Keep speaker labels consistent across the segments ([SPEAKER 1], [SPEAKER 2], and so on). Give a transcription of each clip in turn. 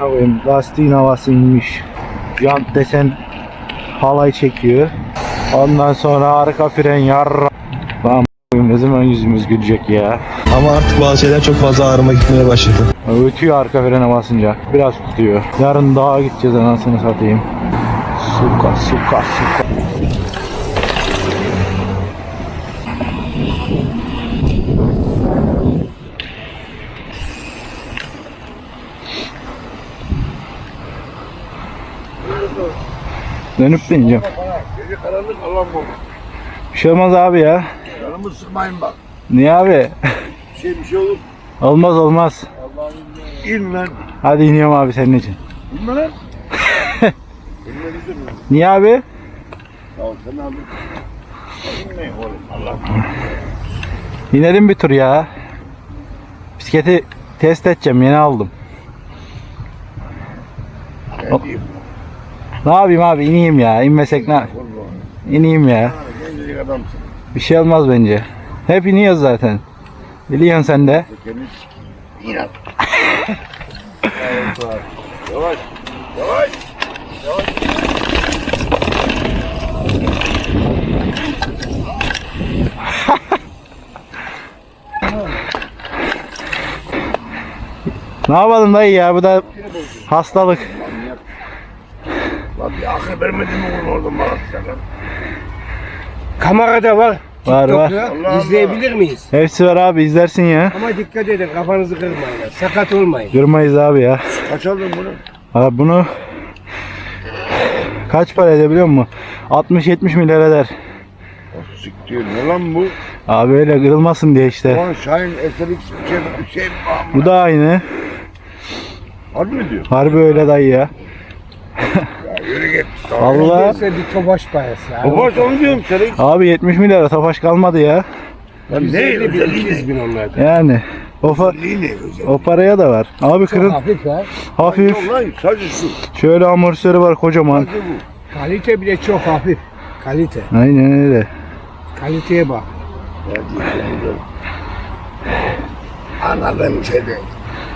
[SPEAKER 1] koyayım. Lastiğin havası inmiş. Jant desen halay çekiyor. Ondan sonra arka fren yarra. Lan ne zaman yüzümüz gülecek ya.
[SPEAKER 2] Ama artık bazı şeyler çok fazla ağrıma gitmeye başladı.
[SPEAKER 1] Ötüyor arka frene basınca. Biraz tutuyor. Yarın dağa gideceğiz anasını satayım. Suka. Dönüp deneyeceğim.
[SPEAKER 3] Gece karanlık Allah'ım bu.
[SPEAKER 1] Bir şey olmaz abi ya.
[SPEAKER 3] Canımı sıkmayın bak.
[SPEAKER 1] Niye abi?
[SPEAKER 3] Bir şey olur.
[SPEAKER 1] Olmaz.
[SPEAKER 3] İn lan.
[SPEAKER 1] Hadi iniyorum abi senin için.
[SPEAKER 3] İnme lan. İnme bizim mi?
[SPEAKER 1] Niye abi?
[SPEAKER 3] Ya sen abi. İnmeyin oğlum Allah'ım.
[SPEAKER 1] İnelim bir tur ya. Bisikleti test edeceğim, yeni aldım.
[SPEAKER 3] Ne diyeyim?
[SPEAKER 1] Ne yapayım abi, ineyim ya. İnmesek ne? İneyim ya.
[SPEAKER 3] Gencecik adamsın.
[SPEAKER 1] Bir şey olmaz bence. Hep iniyoruz zaten. Biliyorsun sen de.
[SPEAKER 3] Temiz. İn at. Yavaş.
[SPEAKER 1] Ne yapalım dayı ya, bu da hastalık.
[SPEAKER 3] Lan bir akıl vermedin mi oğlum oradan bana sen lan?
[SPEAKER 4] Kamerada var.
[SPEAKER 1] Var.
[SPEAKER 4] TikTok'ta
[SPEAKER 3] Allah.
[SPEAKER 4] izleyebilir miyiz?
[SPEAKER 1] Hepsi var abi, izlersin ya.
[SPEAKER 4] Ama dikkat edin, kafanızı kırmayın. Sakat olmayın.
[SPEAKER 1] Kırmayız abi ya.
[SPEAKER 3] Kaç aldın bunu?
[SPEAKER 1] Abi bunu kaç para edebiliyor musun? 60-70 milyar eder.
[SPEAKER 3] Siktir ne lan bu?
[SPEAKER 1] Abi öyle kırılmasın diye işte.
[SPEAKER 3] Ulan Şahin SLX bir şey
[SPEAKER 1] Bu da aynı.
[SPEAKER 3] Harbi mi diyor?
[SPEAKER 1] Harbi öyle dayı ya.
[SPEAKER 3] Ya yürü git.
[SPEAKER 1] Allah.
[SPEAKER 4] Neyse bir tobaş parası.
[SPEAKER 3] O baş onu diyorum SLX.
[SPEAKER 1] Abi 70 milyara tofaş kalmadı ya.
[SPEAKER 3] Lan ne
[SPEAKER 4] 150 bin,
[SPEAKER 3] özelliği
[SPEAKER 4] 200
[SPEAKER 3] ne?
[SPEAKER 4] bin onlarda.
[SPEAKER 1] Yani
[SPEAKER 3] Özelliği ne özelliği?
[SPEAKER 1] o paraya da var. Abi
[SPEAKER 4] Çok
[SPEAKER 1] kırıl
[SPEAKER 4] hafif ha.
[SPEAKER 1] hafif.
[SPEAKER 3] Yok lan sadece şu.
[SPEAKER 1] Şöyle amortisörü var kocaman.
[SPEAKER 3] Sadece bu.
[SPEAKER 4] Kalite bile çok hafif. Kalite.
[SPEAKER 1] Aynen öyle.
[SPEAKER 4] Kaliteye bak.
[SPEAKER 3] Anladığım şey değil.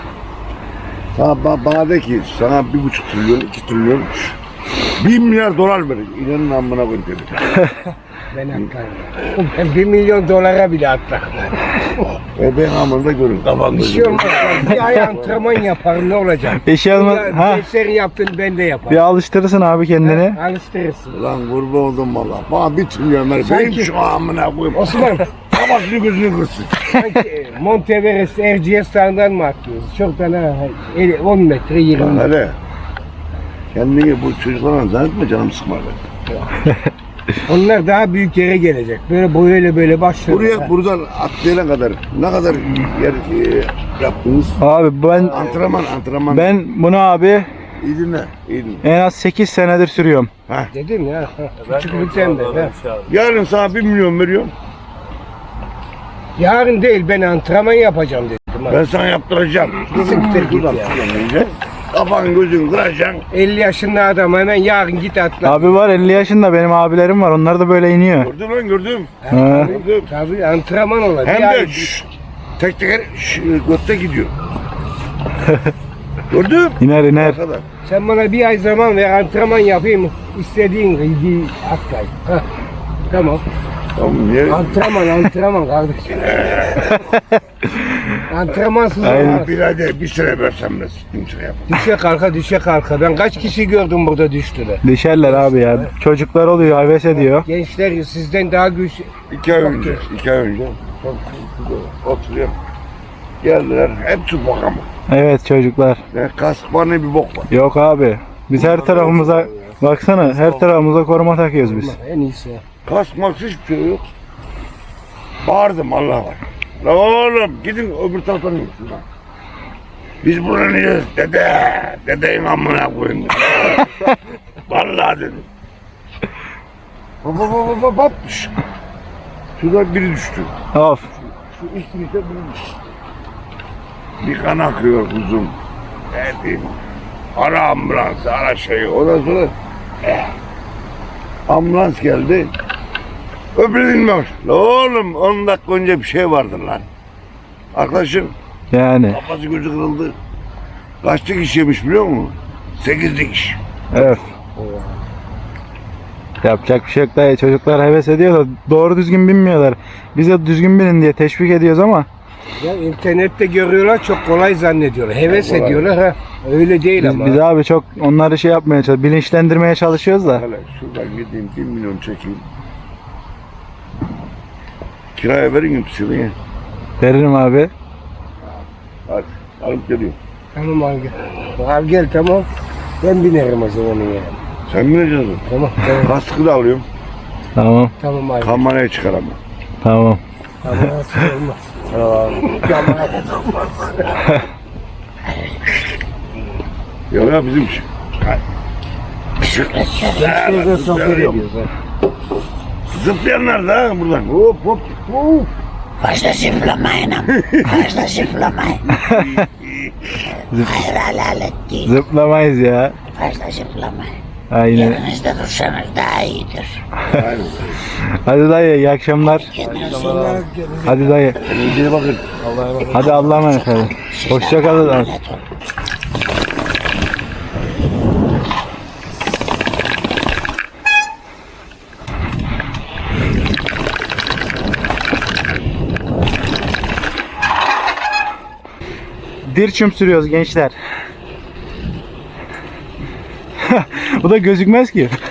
[SPEAKER 3] Bana de ki sana 1,5 trilyon, 2 trilyon, 1 milyar dolar verin. İnanın amına koyayım dedi.
[SPEAKER 4] Ben atlarım. Ben 1 milyon dolara bile atlarım.
[SPEAKER 3] Ben amında görün. Kafanda
[SPEAKER 4] Bir şey olmaz. lan. Bir ay antrenman yaparım, ne olacak?
[SPEAKER 1] Bir şey olmaz.
[SPEAKER 4] Ya,
[SPEAKER 1] Ha,
[SPEAKER 4] Dersleri yaptın, ben de
[SPEAKER 1] bir
[SPEAKER 4] yaparım.
[SPEAKER 1] alıştırırsın abi kendini.
[SPEAKER 4] Ha, alıştırırsın.
[SPEAKER 3] Ulan kurban oldum valla. Bana 1 trilyon ver.
[SPEAKER 4] Sanki-
[SPEAKER 3] Benim şu amına koyayım.
[SPEAKER 4] Osman,
[SPEAKER 3] Kabaklı gözünü kırsın.
[SPEAKER 4] sanki Monteverest, Erciyes Dağı'ndan mı atlıyoruz? Çok da ne? 10 metre 20
[SPEAKER 3] Lan
[SPEAKER 4] metre.
[SPEAKER 3] hele. Kendini bu çocuklarla zannetme canım sıkmadı.
[SPEAKER 4] Onlar daha büyük yere gelecek. Böyle başlıyor.
[SPEAKER 3] Buraya buradan atlayana kadar ne kadar yer yaptınız?
[SPEAKER 1] Abi
[SPEAKER 3] Antrenman.
[SPEAKER 1] ben bunu abi
[SPEAKER 3] İyi dinle.
[SPEAKER 1] en az 8 senedir sürüyorum.
[SPEAKER 4] Dedim ya. Küçüklükten de. ha.
[SPEAKER 3] Yarın sana 1 milyon veriyorum.
[SPEAKER 4] Yarın değil, ben antrenman yapacağım dedim. ha.
[SPEAKER 3] Ben sana yaptıracağım.
[SPEAKER 4] Siktir git ya.
[SPEAKER 3] Önce kafan gözün kıracaksın.
[SPEAKER 4] 50 yaşında adam hemen yarın git atla.
[SPEAKER 1] Abi var 50 yaşında, benim abilerim var, onlar da böyle iniyor.
[SPEAKER 3] Gördün lan gördüm.
[SPEAKER 1] Ha.
[SPEAKER 3] Gördüm.
[SPEAKER 4] Tabii antrenman olacak.
[SPEAKER 3] Hem
[SPEAKER 4] Yarın
[SPEAKER 3] de tek teker götte gidiyor. Gördüm.
[SPEAKER 1] İner
[SPEAKER 3] Ne kadar?
[SPEAKER 4] sen bana bir ay zaman ver, antrenman yapayım. İstediğin gibi atlayın. Ha. Tamam.
[SPEAKER 3] Tamam niye?
[SPEAKER 4] Antrenman kardeşim. Antrenmansız olmaz.
[SPEAKER 3] Birader bir sene versem de sıkıntı yapar.
[SPEAKER 4] Düşe kalka. Ben kaç kişi gördüm burada düştüler.
[SPEAKER 1] Düşerler abi ya. Çocuklar oluyor, heves ediyor.
[SPEAKER 4] Gençler sizden daha güçlü.
[SPEAKER 3] 2 ay önce. Oturuyorum. Geldiler. Hepsi bok ama.
[SPEAKER 1] Evet çocuklar.
[SPEAKER 3] Ne kask var ne bir bok var.
[SPEAKER 1] Yok abi. Biz her tarafımıza baksana, her tarafımıza koruma takıyoruz biz.
[SPEAKER 4] En iyisi.
[SPEAKER 3] Kask maks hiçbir şey yok. Bağırdım Allah var. La oğlum gidin öbür taraftan gitsin lan. Biz buraya niye dedeyin amına koyun dedi. Vallahi dedim. Hop. Şurada biri düştü.
[SPEAKER 1] Of.
[SPEAKER 3] Şu üst girişte biri düştü. Bir kan akıyor kuzum. Ne diyeyim. Ara ambulansı, ara şeyi. Ondan sonra ambulans geldi. Öbürü dinmemiş. La oğlum 10 dakika önce bir şey vardı lan. Arkadaşım
[SPEAKER 1] Yani.
[SPEAKER 3] kafası gözü kırıldı. Kaç dikiş yemiş biliyor musun? 8 dikiş.
[SPEAKER 1] Evet. Yapacak bir şey yok dayı. Çocuklar heves ediyor da doğru düzgün binmiyorlar. Biz de düzgün binin diye teşvik ediyoruz ama
[SPEAKER 4] Ya internette görüyorlar, çok kolay zannediyorlar. Heves
[SPEAKER 3] Kolay.
[SPEAKER 4] ediyorlar ha. Öyle değil ama.
[SPEAKER 1] biz abi çok onları şey yapmaya çalışıyoruz. Bilinçlendirmeye çalışıyoruz da.
[SPEAKER 3] Hele şuradan gideyim 1 milyon çekeyim. Kiraya verin mi pısırıyı?
[SPEAKER 1] Veririm abi.
[SPEAKER 3] Hadi alıp geliyorum.
[SPEAKER 4] Tamam al gel. Al gel tamam. Ben binerim o zaman ya.
[SPEAKER 3] Sen bineceksin.
[SPEAKER 4] Tamam tamam.
[SPEAKER 3] Kaskı da alıyorum.
[SPEAKER 1] Tamam.
[SPEAKER 4] Tamam abi.
[SPEAKER 3] Kamerayı çıkaramam.
[SPEAKER 1] Tamam.
[SPEAKER 4] Tamam nasıl olmaz. Kamera da olmaz.
[SPEAKER 3] Ya bizim şey.
[SPEAKER 4] Gençlerle sohbet ediyoruz ha.
[SPEAKER 3] Zıplayanlar da buradan. Hop hop hop.
[SPEAKER 5] Fazla zıplamayın ama. Fazla zıplamayın. Hayır helal ettiğin.
[SPEAKER 1] Zıplamayız ya.
[SPEAKER 5] Fazla zıplamayın.
[SPEAKER 1] Aynen.
[SPEAKER 5] Yerinizde dursanız daha iyidir.
[SPEAKER 1] Hadi dayı iyi akşamlar.
[SPEAKER 5] Kendinize
[SPEAKER 1] Hadi dayı.
[SPEAKER 3] Kendinize bakın.
[SPEAKER 1] Hadi Allah'a emanet hadi. Hoşça kalın.
[SPEAKER 5] emanet olun.
[SPEAKER 1] Dirçüm sürüyoruz gençler. Bu da gözükmez ki.